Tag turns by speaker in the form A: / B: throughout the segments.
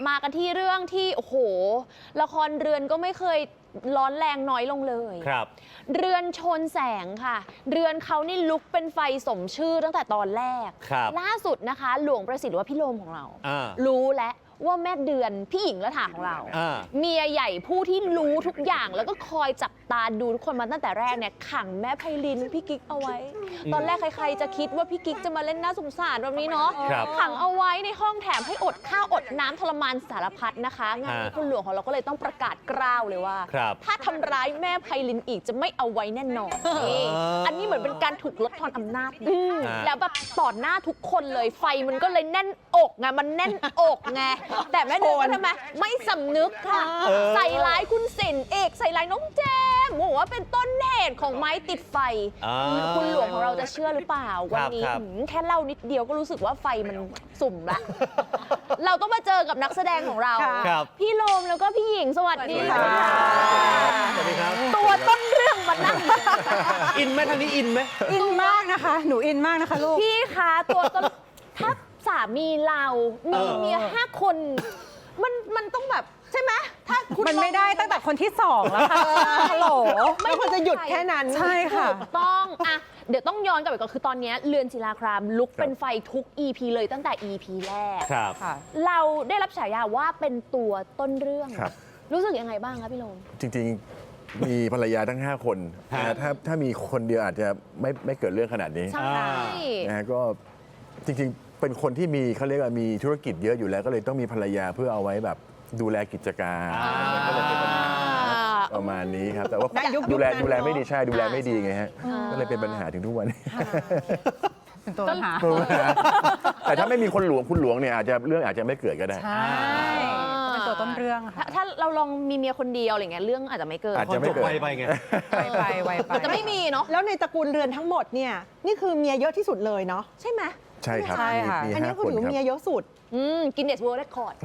A: มากันที่เรื่องที่โอ้โหละครเรือนก็ไม่เคยร้อนแรงน้อยลงเลย
B: ครับ
A: เรือนชนแสงค่ะเรือนเขานี่ลุกเป็นไฟสมชื่อตั้งแต่ตอนแรกล่าสุดนะคะหลวงประสิทธิ์ว่าพี่โลมของเรารู้แล้วว่าแม่เดือนพี่หญิงละถาของเราเมียใหญ่ผู้ที่รู้ทุกอย่างแล้วก็คอยจับตาดูทุกคนมาตั้งแต่แรกเนี่ยขังแม่ไพลินพี่กิ๊กเอาไว้ตอนแรกใครๆจะคิดว่าพี่กิ๊กจะมาเล่นน่าสงสารแบบนี้เนาะขังเอาไว้ในห้องแถมให้อดข้าวอดน้ำทรมานสารพัดนะคะงานนี้คุณหลวงของเราก็เลยต้องประกาศกล้าวเลยว่าถ้าทำร้ายแม่ไพลินอีกจะไม่เอาไว้แน่นอนอันนี้เหมือนเป็นการถูกลดทอนอำนาจแล้วแบบต่อหน้าทุกคนเลยไฟมันก็เลยแน่นอกไงมันแน่นอกไงแต่แม่เดือนทำไมไม่สำนึกค่ะใส่ร้ายคุณสินเอกใส่ร้ายน้องแจมบอกว่าเป็นต้นเหตุของไม้ติดไฟคุณหลวงของเราจะเชื่อหรือเปล่าวันนี้แค่เล่านิดเดียวก็รู้สึกว่าไฟมันสุ่มละเราต้องมาเจอกับนักแสดงของเราพี่โลมแล้วก็พี่หญิงสวัสดีค่ะ
B: สวัสดีครับ
A: ตัวต้นเรื่องมันนั่ง
B: อินไหมทางนี้อินไหม
C: อินมากนะคะหนูอินมากนะคะลูก
A: พี่คะตัวต้นถ้าสามีเรามีเมีย5 คนมันต้องแบบใช่ไหมถ้าคุณ
C: มันไม่ได้ตั้งแต่คนที่2แล้วค่ะฮัลโหล
A: ไม่ควรจะหยุดแค่นั้น
C: ใช่ค่ะ
A: ต้องอะเดี๋ยวต้องย้อนกลับไปก่อนคือตอนนี้เรือนศิลาครามลุกเป็นไฟทุก EP เลยตั้งแต่ EP แรกเราได้รับฉายาว่าเป็นตัวต้นเรื่องรู้สึกยังไงบ้างคะพี่โลม
D: จริงๆมีภรรยาทั้ง5 คนถ้ามีคนเดียวอาจจะไม่เกิดเรื่องขนาดนี้
A: ใช่
D: นะก็จริงๆเป็นคนที่มีเขาเรียกว่ามีธุรกิจเยอะอยู่แล้วก็เลยต้องมีภรรยาเพื่อเอาไว้แบบดูแลกิจการประมาณนี้ครับแต่ว่าดูแลไม่ดีใช่ดูแลไม่ดีไงฮะก็เลยเป็นปัญหาถึงทุกวันนี้
C: เป็นตัวปัญหา
D: แต่ถ้าไม่มีคุณหลวงเนี่ยอาจจะเรื่องอาจจะไม่เกิดก็ได้
C: ใช่เป็นตัวต้นเรื่อง
A: ถ้าเราลองมีเมียคนเดียวอะไรเงี้ยเรื่องอาจจะไม่เกิด
D: อาจจะไม่เกิด
B: ไปไง
C: ไวไป
A: จะไม่มีเนาะ
E: แล้วในตระกูลเรือนทั้งหมดเนี่ยนี่คือเมียเยอะที่สุดเลยเนาะ
A: ใช่ไหม
D: ใช่ครับ
E: อันนี้คือถือเมียเยอะสุด
A: กินเนสเวิร์ลด์เรคคอร์ด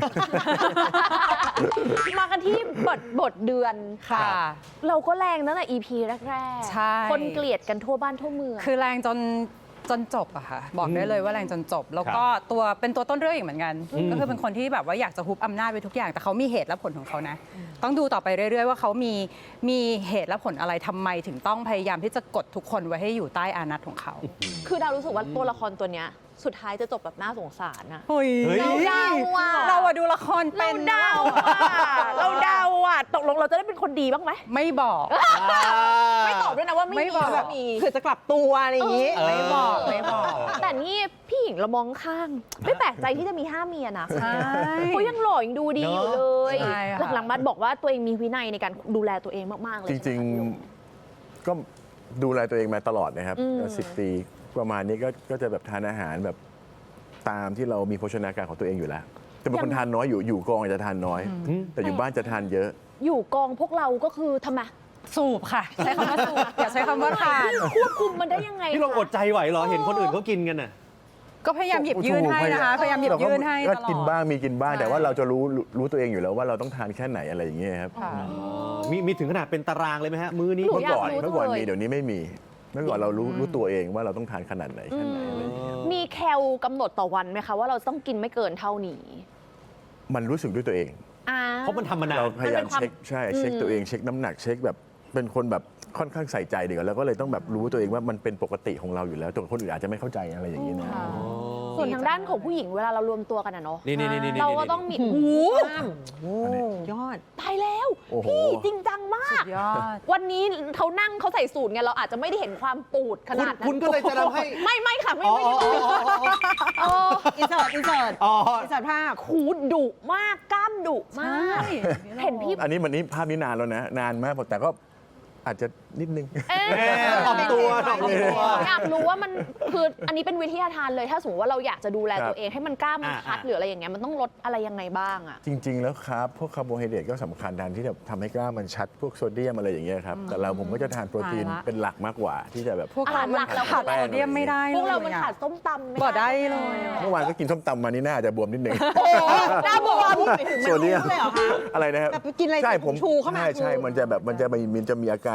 A: มากันที่บทเดือน
C: ค่ะ
A: เราก็แรงตั้งแต่ EP แรกๆคนเกลียดกันทั่วบ้านทั่วเมือง
C: คือแรงจนจบอะค่ะบอกได้เลยว่าแรงจนจบแล้วก็เป็นตัวต้นเรื่องอีกเหมือนกันก็คือเป็นคนที่แบบว่าอยากจะฮุบอำนาจไปทุกอย่างแต่เขามีเหตุและผลของเขานะต้องดูต่อไปเรื่อยๆว่าเขามีเหตุและผลอะไรทำไมถึงต้องพยายามที่จะกดทุกคนไว้ให้อยู่ใต้อานัตของเขา
A: คือดาวรู้สึกว่าตัวละครตัวเนี้ยสุดท้ายจะจบแบบน่าสงสารอะ
C: เราดูละครเป็น
A: เราเดาอะตกลงเราจะได้เป็นคนดีบ้างไหม
C: ไม่บอก
A: ไม่ตอบด้วยนะว่าไม่บอก
E: แบบเผื่อจะกลับตัวอะไรอย่างนี้
C: ไม่บอก
A: แต่นี่พี่หญิงเรามองข้างไม่แปลกใจที่จะมี5 เมียนะเขายังหล่อยังดูดีอยู่เลยหลังๆมาบอกว่าตัวเองมีวินัยในการดูแลตัวเองมากๆเลย
D: จริงๆก็ดูแลตัวเองมาตลอดนะครับ10 ปีประมาณนี้ก็จะแบบทานอาหารแบบตามที่เรามีโภชนาการของตัวเองอยู่แล้วแต่เป็นคนทานน้อยอยู่กองอาจจะทานน้อยแต่อยู่บ้านจะทานเยอะ
A: อยู่กองพวกเราก็คือทำไม
C: สูบค่ะใช้คำว่าสูบอย่าใช้คำว่าทาน
A: ควบคุมมันได้ยังไง
B: พี่ลองอดใจไหวเหรอเห็นคนอื่นเขากินกันน่ะ
C: ก็พยายามหยิบยื่นให้นะคะพยายามหยิบยื่นให้ตลอด
D: ก็กินบ้างมีกินบ้างแต่ว่าเราจะรู้ตัวเองอยู่แล้วว่าเราต้องทานแค่ไหนอะไรอย่างเงี้ยครับ
B: มีถึงขนาดเป็นตารางเลยไหมฮะมื้อนี้
D: เมื่อก่อนมีเดี๋ยวนี้ไม่มีเมื่อก่อนเรารู้ตัวเองว่าเราต้องทานขนาดไหนแค่ไหนอะไรอย่างเงี้ย
A: มีแคลกำหนดต่อวันไหมคะว่าเราต้องกินไม่เกินเท่านี้
D: มันรู้สึกด้วยตัวเอง
B: เพราะมันทำมานาน
D: เราพยายามเช็คตัวเองเช็คน้ำหนักเช็คแบบเป็นคนแบบค่อนข้างใส่ใจดีกว่าแล้วก็เลยต้องแบบรู้ตัวเองว่ามันเป็นปกติของเราอยู่แล้วแต่คนอื่นอาจจะไม่เข้าใจอะไรอย่างนี้นะ
A: ส่วนทางด้านของผู้หญิงเวลาเรารวมตัวกันเนาะเราก็ต้องมี
E: ยอด
A: ตายแล้วพี่จริงจังมากวันนี้เขานั่งเขาใส่สูทไงเราอาจจะไม่ได้เห็นความปูดขนาดนั้น
B: คุณก็เลยจะทำให้
A: ไม่ค่ะไม่
E: อินเสิร์ตภาพ
A: ขูดดุมากกล้ามดุมากเห็นพี่
D: อันนี้ภาพนี้นานแล้วนะนานมากแต่ก็อาจจะนิดนึง
B: ถ่อมตัว
A: อยากรู้ว่ามันคืออันนี้เป็นวิทยาทานเลยถ้าสมมติว่าเราอยากจะดูแลตัวเองให้มันกล้ามันคัดหรืออะไรอย่างเงี้ยมันต้องลดอะไรยังไงบ้างอ่ะ
D: จริงๆแล้วครับพวกคาร์โบไฮเดรตก็สำคัญที่จะทำให้กล้ามันชัดพวกโซเดียมอะไรอย่างเงี้ยครับแต่ผมก็จะทานโปรตีนเป็นหลักมากกว่าที่จะแบบ
C: พวกเราหลักแล้วขาดโซเดียมไม่ได้
A: พวกเรามันขาดส้มตำ
C: บ่ได้เลย
D: เมื่อวานก็กินส้มตำมานี่น่าจะบวมนิดนึง
A: หน้าบวม
D: โซเดียมอะไรนะครับ
E: กินอะไร
D: ใช่ผม
E: ชูเข้ามา
D: ใช่มันจะมีอาการทันทีเลย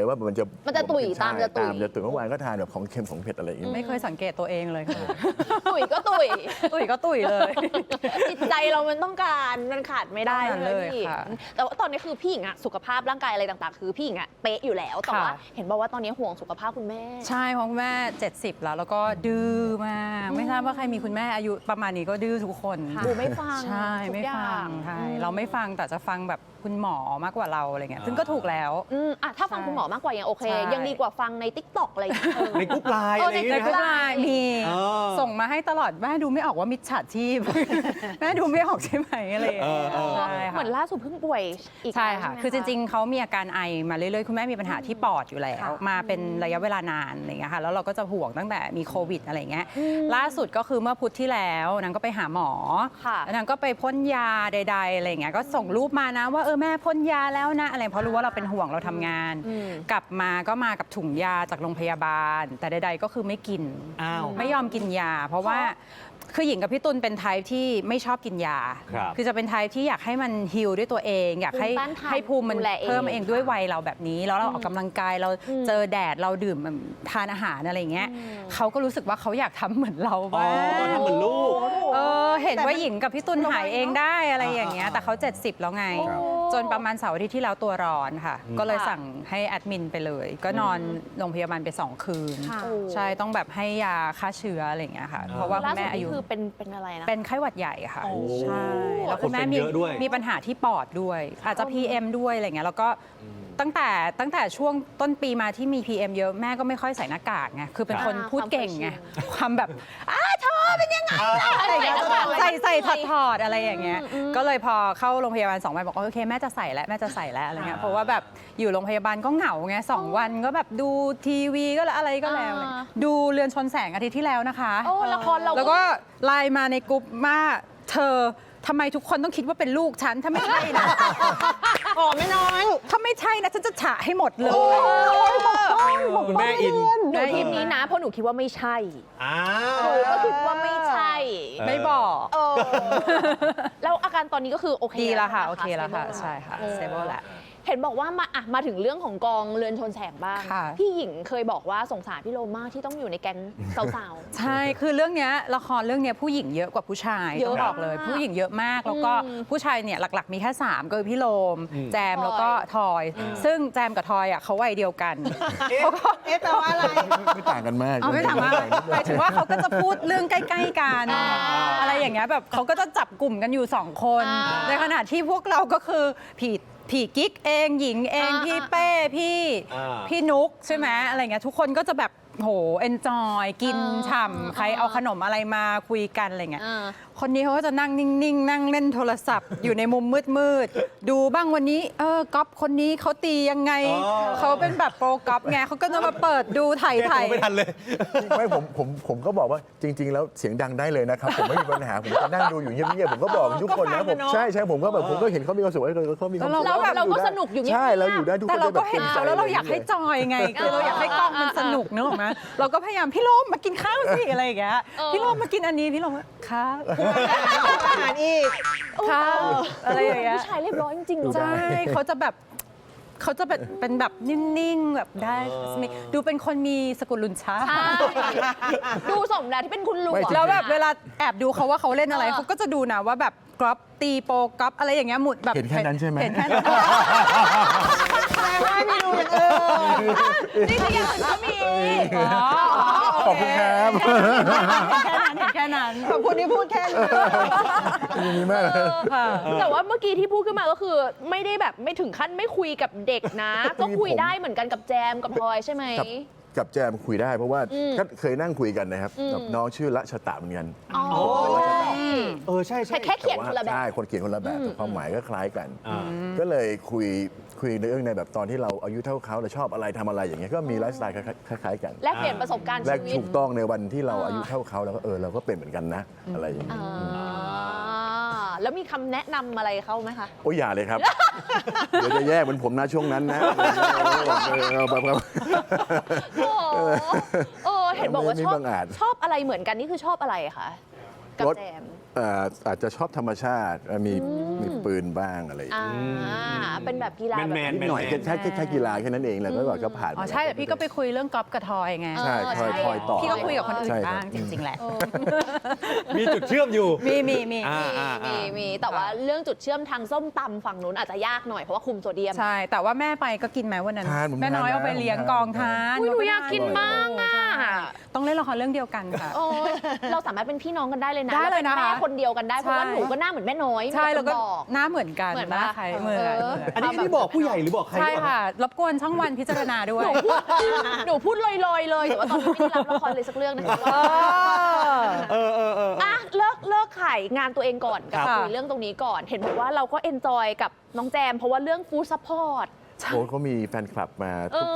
D: ว่ามันจะ
A: ตุ๋ยตามจะตุ๋ย
D: จะตุ๋ยเมื่อวานก็ทานแบบของเค็มของเผ็ดอะไรอย่างเงี้ย
C: ไม่เคยสังเกตตัวเองเลยค่ะ
A: ตุ๋ยก็ตุ๋ย
C: ตุ๋ยก็ตุ๋ยเลย
A: จิตใจเรามันต้องการมันขาดไม่ได้
C: ต้องการเลย
A: พี่
C: ค่ะ
A: แต่ว่าตอนนี้คือพี่หญิงอะสุขภาพร่างกายอะไรต่างๆ คือพี่หญิงอะเป๊ะอยู่แล้วแต่ว่า
C: ค่ะ
A: เห็นบอกว่าตอนนี้ห่วงสุขภาพคุณแม่
C: ใช่เพราะคุณแม่ 70 แล้วก็ดื้อมากไม่ทราบว่าใครมีคุณแม่อายุประมาณนี้ก็ดื้อทุกคน
A: ดูไม่ฟัง
C: ใช่
A: ทุก
C: ไม่
A: อย่า
C: ฟังใช่เราไม่ฟังแต่จะฟังแบบคุณหมอมากกว่าเราอะไรเงี้ยซึ่งก็ถูกแล้ว
A: อ่ะถ้าฟัง
C: ใช่
A: คุณหมอมากกว่ายังโอเค
C: ใช่
A: ยังดีกว่าฟังใน TikTok อะไรอย่างเงี้ย
B: ในกรุ๊ปไลน์อะไรอย่าง
A: ใน
B: เงี้ย
A: กรุ๊
B: นะ
A: ป
B: ฮะ
A: ไลน์
C: มี
B: เออ
C: ส่งมาให้ตลอดแม่ดูไม่ออกว่ามิจฉาชีพ แม่ดูไม่ออกใช่ไหมอะไรอย่างเงี้ย
B: เออ
C: ใช่
A: เหมื
C: ค่ะ
A: อนล่าสุดเพิ่งป่วยอีก
C: ใช่ค่ะ
A: แล้ว
C: คือจริง
A: ๆ
C: ๆ เขามีอาการไอมาเรื่อยๆ คุณแม่มีปัญหาที่ปอดอยู่แล้ว
A: ค่ะ
C: มาเป็นระยะเวลานานอะไรอย่างเงี้ยค่ะ แล้วเราก็จะห่วงตั้งแต่มีโควิดอะไรอย่างเงี้ย ล่าสุดก็คือเมื่อพุธที่แล้วนางก็ไปหาหมอ
A: ค่ะ
C: แล้วนางก็ไปพ่นยาใดๆ อะไรอย่างเงี้ย ก็ส่งรูปมานะว่าแม่พ่นยาแล้วนะอะไร เพราะรู้ว่าเราเป็นห่วงเราทำงาน กลับมาก็มากับถุงยาจากโรงพยาบาล แต่ใดๆ ก็คือไม่กิน
B: อ้าว
C: ไม่ยอมกินยา เพราะว่าคือหญิงกับพี่ตุลเป็นไทป์ที่ไม่ชอบกินยา
B: ครับ
C: คือจะเป็นไทป์ที่อยากให้มันฮิลด้วยตัวเอง อยากให้
A: ภูมิต้านทาน
C: ให้ภูมิมัน
A: ดูแลเอง
C: เพิ่มเองด้วยวัยเราแบบนี้ แล้วเราออกกำลังกายเราเจอแดดเราดื่มทานอาหารอะไรอย่างเงี้ยเขาก็รู้สึกว่าเขาอยากทำเหมือนเรา
B: อ๋อ
C: บ้าง
B: ทำเหมือนลูก
C: เห็นว่าหญิงกับพี่ตุลหายเองได้อะไรอย่างเงี้ยแต่เขา 70 แล้วไง
D: ครับ
C: จนประมาณเสาร์อาทิตย์ที่แล้วตัวร้อนค่ะ ก็เลยสั่งให้แอดมินไปเลย ก็นอนโรงพยาบาลไป 2 คืน
A: ค่ะ
C: ใช่ต้องแบบให้ยาฆ่าเชื้ออะไรอย่างเงี้ยค่ะ เพราะว่าคุ
A: ล่า
C: ณ
A: สุ
C: แม่
A: ด
C: อา
A: นี่
C: ยุ
A: คือเป็นอะไรนะ
C: เป็นไข้หวัดใหญ่ค่ะ
A: โอ้
C: ใช่แล้วคุณแม่
B: คนเป็นเยอะด้วย
C: มีปัญหาที่ปอดด้วย อาจจะ PM ด้วยอะไรเงี้ยแล้วก็ตั้งแต่ช่วงต้นปีมาที่มี PM เยอะแม่ก็ไม่ค่อยใส่หน้ากากไงคือเป็นคนพูดเก่งไงความแบบเธอเป็นยังไงอะไรอย่างเงี้ยใส่ถอดอะไรอย่างเงี้ยก็เลยพอเข้าโรงพยาบาล2 วันบอกว่าโอเคแม่จะใส่แล้วแม่จะใส่แล้วอะไรเงี้ยเพราะว่าแบบอยู่โรงพยาบาลก็เหงาไง2 วันก็แบบดูทีวีก็แล้วอะไรก็แล้วดูเรือนชนแสงอาทิตย์ที่แล้วนะคะ
A: โอ้ละครเรา
C: แล้วก็ไลน์มาในกลุ่มว่าเธอทำไมทุกคนต้องคิดว่าเป็นลูกฉันถ้าไม่ใช่นะ
E: อ๋อไม่น้อย
C: ถ้าไม่ใช่นะฉันจะฉะให้หมดเลย
B: คุณแม่อิน
A: หนูทีมนี้นะเพราะหนูคิดว่าไม่ใช่
B: อ้า
A: หนู
B: ว
A: ก็คิดว่าไม่ใช่
C: ไม่บอก
A: แล้วอาการตอนนี้ก็คือโอเค
C: ดีแล้วค่ะ
A: ใช่
C: โอ
A: ไหม
C: เคแล้วค่ะ
A: stable
C: ใช่ค่ะ stable แล้ว
A: เห็นบอกว่ามาถึงเรื่องของกองเรือนชนแสงบ้าง
C: ค่ะ
A: พี่หญิงเคยบอกว่าสงสารพี่โลมากที่ต้องอยู่ในแก๊งสาว
C: ใช่คือเรื่องเนี้ยละครเรื่องเนี้ยผู้หญิงเยอะกว่าผู้ชาย
A: เย
C: ต้
A: อะ
C: องบอกเลย
A: มาก
C: ผู้หญิงเยอะมากแล้วก็ผู้ชายเนี่ยหลักๆมีแค่3ก็คือพี่โลม แจมแล้วก็ทอย ซึ่งแจมกับทอยอ่ะเขาวัยเดียวกันเขาก็
E: แปลว่าอะไร
D: ไม่ต่างกันมาก
C: เอาไม่ถามว่าหมายถึงว่าเขาก็จะพูดเรื่องใกล้ๆกันอะไรอย่างเงี้ยแบบเขาก็จะจับกลุ่มกันอยู่2 คน ในขณะที่พวกเราก็คือผีกิ๊กเองหญิงเองพี่เป้พี่นุกใช่ไหมอะไรเงี้ยทุกคนก็จะแบบโหเอนจอยกินฉ่ำใครเอาขนมอะไรมาคุยกันอะไรเงี้ย คนนี้เขาก็จะนั่งนิ่งๆ นั่งเล่นโทรศัพท์ อยู่ในมุมมืดๆ ดูบ้างวันนี้ก๊อฟคนนี้เขาตียังไง เขาเป็นแบบโปรก๊อฟไงเขาก็จะมาเปิดดูถ่าย
B: ไม่ทันเลย
D: ไม่ผมก็บอกว่าจริง ๆ แล้วเสียงดังได้เลยนะครับ ผมไม่มีปัญหาผมก็นั่งดูอยู่เงียบๆผมก็บอกทุกคนนะผมใช่ผมก็แบบผมก็เห็นเขามีความสุขเขามีความสุข
A: แล้วแบบเราก็สนุกอยู่เงียบๆ
D: ใช่เราอยู่ได้ทุกคน
C: แต่เราก็
D: จะแบบ
C: เห็นเขาแล้วเราอยากให้จอยไงคือเราอยากให้กล้องมันสนุกนึกออกไหมเราก็พยายามพี่โลมมากินข้าวสิอะไรอย่างเงี้ยพี่โลมมากินอันนี้พี่โลมครับ
E: อาหารอีก
C: ครับอะไรอย่างเงี้ย
A: ผู้ชายเรียบร้อยจริงๆ
C: ใช่เขาจะแบบเป็นแบบนิ่ง ๆ แบบได้ ดูเป็นคนมีสกุลลุนช้า
A: ใช่ดูสมแล้วที่เป็นคุณลุง
C: แล้วแบบเวลาแอบดูเขาว่าเขาเล่นอะไรเขาก็จะดูนะว่าแบบกรอบตีโปรกรอบอะไรอย่างเงี้ยหมุดแบบ
D: เห็นแค่นั้นใช่ไหม
C: เห็นแค่นั้น
E: แปลว่าไม่ดูอย่างอื่น
A: นี่คืออย่างอื่นก็มี
D: ขอบคุณครับ
C: เห็นแค่นั้น
E: ขอบคุณที่พูดแค่นี้
D: อย่างนี้มากเลย
A: แต่ว่าเมื่อกี้ที่พูดขึ้นมาก็คือไม่ได้แบบไม่ถึงขั้นไม่คุยกับเด็กนะ ก็คุยได้เหมือนกันกับแจมกับพลอยใช่ไหม
D: กับแจมคุยได้เพราะว่าก็เคยนั่งคุยกันนะครับกับน้องชื่อละชตะเหมือนกัน
A: อ๋อ
B: ใช่ใช่
A: แค่เขียนคนละแบบ
D: ใช่คนเขียนคนละแบบแต่ความหมายก็คล้ายกัน
B: อ่า
D: ก็เลยคุยในเรื่องในแบบตอนที่เราอายุเท่าเขาเราชอบอะไรทำอะไรอย่างเงี้ยก็มีไลฟ์สไตล์คล้ายๆกัน
A: แลกเปลี่ยนประสบการณ์
D: และ
A: ชีวิต
D: ถูกต้องในวันที่เราอายุเท่าเขาแล้วก็เราก็เป็นเหมือนกันนะ อะไรอย่างเงี้ย
A: แล้วมีคำแนะนำอะไรเขาไหมคะ
D: โอ้ยอย่าเลยครับ เดี๋ยวจะแย่เหมือนผมนะช่วงนั้นนะแบบ
A: เห็นบอกว่า
D: ไม่
A: ชอบ
D: บังอาจ
A: ชอบอะไรเหมือนกันนี่คือชอบอะไรคะกับ
D: รถ
A: แจม
D: อาจจะชอบธรรมชาติมีปืนบ้างอะไรอย่าง
A: อ่า
D: เงี้ย
A: เป็นแบบกีฬาแบบ
B: แมน
D: นิดหน่อยแค่กีฬาแค่นั้นเองแล้วก็ผ่าน
C: อ๋อใช่แต่พี่ก็ไปคุยเรื่องกอล์ฟกับทอยไง
D: ใช่ทอยต่อ
C: พี่ก็คุยกับคนอื่
D: ใช่
C: น
D: ครับ
C: บ้างจริง ๆ แหละ
B: มีจุดเชื่อมอยู่
C: มี
A: มีแต่ว่าเรื่องจุดเชื่อมทางส้มตำฝั่งนู้นอาจจะยากหน่อยเพราะว่าคุมโซเดียม
C: ใช่ แต่ว่าแม่ไปก็กินไหมวันนั้น
D: ทานผม
C: แม่น้อย
D: ทาน
C: เอาไปเลี้ยง
D: ทาน
C: กองทาน
A: อุ๊ยหนูอยากกินมากอะ
C: ใช่ต้องเล่นละครเรื่องเดียวกันค่ะ
A: โอ้เราสามารถเป็นพี่น้องกันได้เลยนะ
C: ได้เลยนะคะ
A: แม่คนเดียวกันได้เพราะว่า
C: ใช่
A: หนูก็หน้าเหมือนแม่น้อย
C: ใช่
A: มี
C: แล้วก็
A: คนบอก
C: หน้าเหมือนกัน
A: เหมือน
C: หน้า
A: ปะ
C: ใครเหมือน
B: อันนี้บอกผู้ใหญ่หรือบอกใคร
C: ใช่
B: หรือเปล่า
C: ค่ะ รบกวนช่องวันพิจารณาด้วย
A: หนูพูดลอยๆเลยแต่ว่าตอนนี้ไม่ได้รับละครเลยสักเรื่องนะคะว่า
B: เออ
A: อ่ะเลิกขายงานตัวเองก่อนกับ
C: ค่ะ
A: คุยเรื่องตรงนี้ก่อน เห็นบอกว่าเราก็เอนจอยกับน้องแจมเพราะว่าเรื่องฟู้ดซัพพอร์ต
D: โค้ชเขามีแฟนคลับมา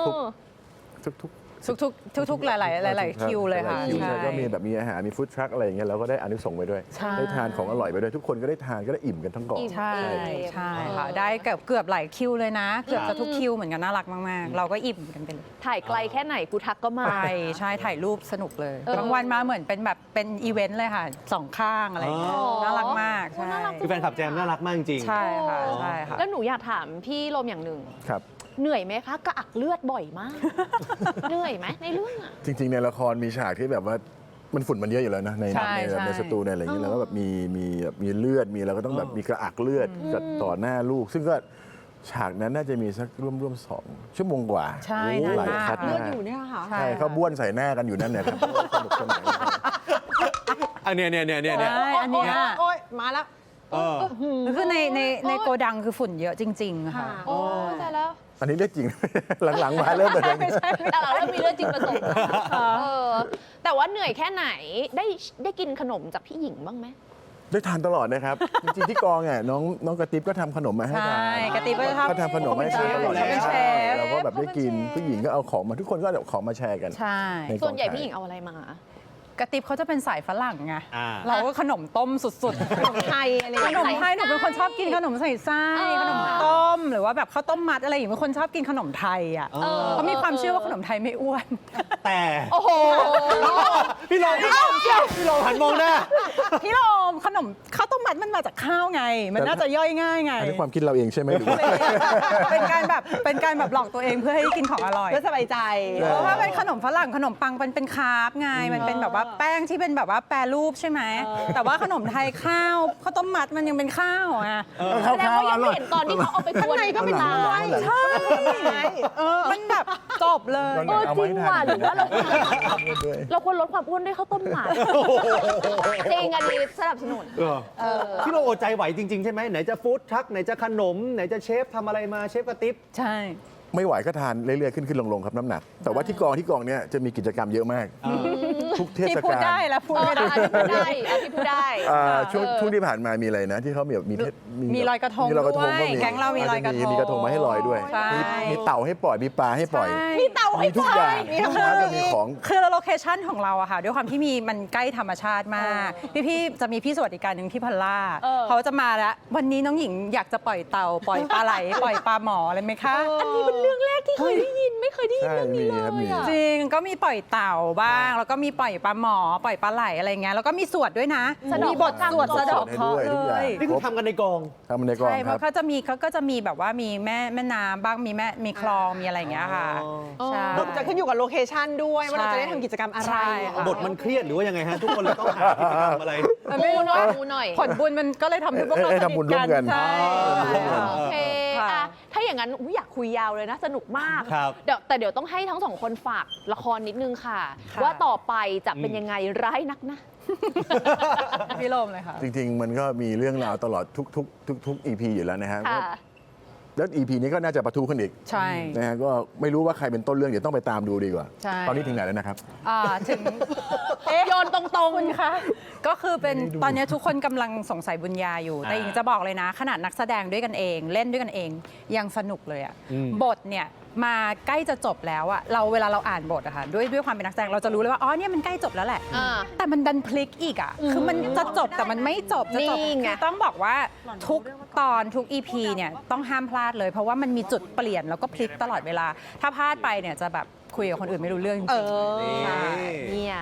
D: ทุก
C: ทุกๆหลายๆคิวเลยค่ะ
D: คิว
C: ใช่
D: ใช่ก็มีแบบมีอาหารมีฟู้ดทรัคอะไรอย่างเงี้ยเราก็ได้อานิสงส์ไปด้วย
C: ใช่
D: ได้ทานของอร่อยไปด้วยทุกคนก็ได้ทานก็ได้อิ่มกันทั้งกอง
C: ใช่ใช่ค่ะ ได้เกือบหลายคิวเลยนะ เกือบจะทุกคิวเหมือนกันน่ารักมากๆ เราก็อิ่มกันไปเลย
A: ถ่ายไกลแค่ไหนกูทักก็มา
C: ใช่ถ่ายรูปสนุกเลย
A: เออ
C: บางวันมาเหมือนเป็นแบบเป็นอีเวนต์เลยค่ะสองข้างอะไรอย่างเงี้ย
A: อ๋อ
C: น่ารักมาก
A: โอ้
C: ใช่
A: น่ารัก
B: คือแฟนคลับแจมน่ารักมากจริง
C: ใช่ค่ะใช่ค่ะ
A: แล้วหนูอยากถามพี่ลมอย่างหนึ่ง
D: ครับ
A: เหนื่อยไหมคะกระอักเลือดบ่อยมาก เหนื่อยไหมในเรื่องอะ
D: จริง ๆ ในละครมีฉากที่แบบว่ามันฝุ่นมันเยอะอยู่แล้วนะใน
C: ใช่
D: แบบ
C: ใช่
D: ในสตูในอะไรอย่างเงี้ยแล้วก็แบบมีเลือดมีเราก็ต้องแบบมีกระอักเลือดกับต่อหน้าลูก ซึ่งก็ฉากนั้นน่าจะมีสักร่วม2 ชั่วโมงกว่า
C: ใช่
D: โอ้
C: นาน
D: หลาย
C: มาก
D: คัด
E: เลือด
D: มาก
E: อยู่เนี่ยค่ะ
C: ใช่
D: ใช่เขาบ้วนใส่หน้ากันอยู่นั่นเนี่ยครับสนุกสนาน
B: ๆ อันเนี้ย
C: ใช่อันเนี้ย
E: โอ๊ยมาแล้ว
C: คือในโกดังคือฝุ่นเยอะจริงๆค่ะ
A: โอ้แต่แล้ว
D: อันนี้เรื่องจริง หลังๆมาเริ่มแบบนี้
A: แต่เราเริ่มมีเรื่องจริงผสมแต่ว่าเหนื่อยแค่ไหนได้กินขนมจากพี่หญิงบ้างไหม
D: ได้ทานตลอดนะครับ จริงๆที่กองอ่ะน้องกระติบก็ทำขนมมาให้ทาน
C: ใช่กระติบก็จะทำ
D: เขาทำขนมให้ทานตลอด
C: เขาเป็นเชฟ
D: เราก็แบบได้กินผู้หญิงก็เอาของมาทุกคนก็เอาของมาแชร์กัน
C: ใช่
D: ในกอง
A: ส่วนใหญ่
D: ถ่าย
A: พี่หญิงเอาอะไรมา
C: กระติบเขาจะเป็นสายฝรั่งไง
B: อ่า
C: เราก็ขนมต้มสุดๆ
E: ขนมไทยอะไรอ
C: ข
E: ย่าง
C: น
E: เงี้ย
C: มไทยหนูเป็นคนชอบกินขนมใส่ไส้
A: เออ
C: ขนมต้มหรือว่าแบบข้าวต้มมัดอะไรอย่างเงี้ยเป็นคนชอบกินขนมไทยอ่ะ
B: เออ
C: เขามีความเชื่อว่าขนมไทยไม่อ้วน
B: แต่
A: โอ้โห
B: พี่ลองหันมองหน้า
C: พี่โรมขนมข้าวต้มมัดมันมาจากข้าวไง มันน่าจะย่อยง่ายไง
D: อันนี้ความคิดเราเองใช่ไหมหรือว่า
C: เป็นการแบบหลอกตัวเองเพื่อให้กินของอร่อย
E: เพื่อสบายใจ
C: เพราะว่าเป็นขนมฝรั่งขนมปังเป็นคาร์บไงมันเป็นแบบว่าแป้งที่เป็นแบบว่าแปรรูปใช่ไหมแต่ว่าขนมไทยข้าวต้มมัดมันยังเป็นข้าวอ่ะ
A: แสดงว่ายังไม่เห็นตอนที่เขาเอาไปกวน
E: ข้างในก็เป็น
A: ตา
E: ด้วย
C: ใช่มันแบบจบเลย
A: เออจริงว่ะหรือว่าเราควรลดความอ้วนด้วยข้าวต้มหมัดจริงอันนี้สนับสนุน
B: พี่ลองอดใจไหวจริง ๆ ใช่ไหมไหนจะฟู้ดทรัคไหนจะขนม ไหนจะเชฟทำอะไรมาเชฟกระติบ
C: ใช่
D: ไม่ไหวก็ทานเรื่อยๆขึ้นลงครับน้ำหนัก แต่ว่าที่กองเนี้ยจะมีกิจกรรมเยอะมาก ทุกเท
C: ที่
D: ศ
C: พูด
D: กาล
C: ได้แล้วพูด
A: เออ
C: ไม่ได้
A: อันนี้พูดได้อันนี้พูดได้
D: ช่วงที่ผ่านมามีอะไรนะ ที่เขามีแบบ
C: มีลอยกระทง
D: มีลอยกระทง
C: ด้วย
D: ก็มี
C: แก๊งเรามีลอยกระทง
D: มีกระทงมาให้ลอยด้วย
C: ใช่
D: มีเต่าให้ปล่อยมีปลาให้ปล่อย
C: มีเต่าให้
D: มีทุกอย่าง
E: มีทั้ง
D: ร้านจะมีของ
C: คือโลเคชั่นของเราอะค่ะ ด้วยความที่มันใกล้ธรรมชาติมาก พี่จะมีพี่สวัสดิการหนึ่งพี่พัลล่า เขาจะมาแล้ว วันนี้น้องหญิงอยากจะปล่อยเต่าปล่อยปลาไหล ปล่อยปลาหมออะไรไหมคะ
A: อันนี้เป็นเรื่องแรกที่เคยได้ยินไม่เคยได้ยิน
D: ใช่
A: เรื่องนี้เล
D: มีครับมี
A: ยอะ
C: จริงก็มีปล่อยเต่าบ้าง แล้วก็มีปล่อยปลาหมอปล่อยปลาไหลอะไรเงี้ยแล้วก็มีสวดด้วยนะ
A: สะเดาะ
C: มีบทสวด
A: เคราะห์
C: สะเดอกเคราะห์
D: ให้ด้วยทุก
C: เล
D: อย่าง
C: ย
B: นี่คือทำกันในกอง
D: ทำในกอง
C: ใช่เพ
D: ครับ
C: ราะเขาก็จะมีแบบว่ามีแม่น้ำบ้างมีคลองมีอะไรอย่างเงี้ยค่ะ
A: อ๋อ
C: ใช่
E: จะขึ้นอยู่กับโลเคชันด้วยว่าเราจะได้ทำกิจกรรมอะไร
C: ใช่ค่ะ
B: บทมันเครียดหรือว่ายังไงฮะ ทุกคนเลยต้องหากิจกรรมอะไร
A: มูหน่อยมูหน่อย
C: ผลบุญมันก็เลยทำให้พวกเรา
D: ให้
C: ส
D: ทำบุ
C: นิ
D: ญ
C: ท
D: ร่วมกัน
C: ใช่
A: โอเค
C: ค่ะ
A: อ่ะถ้าอย่างนั้นอุ๊ยอยากคุยยาวเลยนะ สนุกมาก
B: ครับ
A: แต่เดี๋ยวต้องให้ทั้งสองคนฝากละครนิดนึงค่ะ
C: ค่ะ
A: ว่าต่อไปจะเป็นยังไงร้ายนักนะ
C: พี่โรมเลยค่ะ
D: จริงๆ มันก็มีเรื่องราวตลอดทุก EP อยู่แล้วนะฮะ
A: ค่ะ
D: แล้ว EP นี้ก็น่าจะประทุขึ้นอีก
C: ใช่
D: นะฮะก็ไม่รู้ว่าใครเป็นต้นเรื่องเดี๋ยวต้องไปตามดูดีกว่า
C: ใช่
D: ตอนนี้ถึงไหนแล้วนะครับ
C: ถึง
A: โยนตรงๆ
C: คุณคะก็คือเป็นตอนนี้ทุกคนกำลังสงสัยบุญญาอยู่ แต่หญิงจะบอกเลยนะ ขนาดนักแสดงด้วยกันเอง เล่นด้วยกันเองยังสนุกเลยอะบทเนี่ยมาใกล้จะจบแล้วอะเวลาเราอ่านบทอะค่ะด้วยความเป็นนักแสดงเราจะรู้เลยว่าอ๋อเนี่ยมันใกล้จบแล้วแหละ
A: อ่า
C: แต่มันดันพลิกอีกอ่ะ คือมันจะจบแต่มันไม่จบจะจบ
A: นี่ไง
C: คือต้องบอกว่าทุกตอนทุก EP เนี่ยต้องห้ามพลาดเลย เพราะว่ามันมีจุดเปลี่ยนแล้วก็พลิกตลอดเวลา ถ้าพลาดไปเนี่ยจะแบบคุยกับคนอื่นไม่รู้เรื่องจริง
E: เออ
C: ๆใช่
A: เนี่ย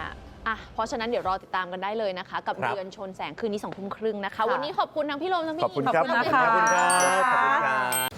A: เพราะฉะนั้นเดี๋ยวรอติดตามกันได้เลยนะคะ กับ
B: ครับ
A: เรือนชนแสงคืนนี้ 20:30 นะคะ
E: ค่ะ
A: วันนี้ขอบคุณทั้งพี่ลมทั้งพี่
D: ขอบคุณ
A: หญิง
D: ครับ
C: ขอบคุณนะคะ
B: ขอบคุณครับ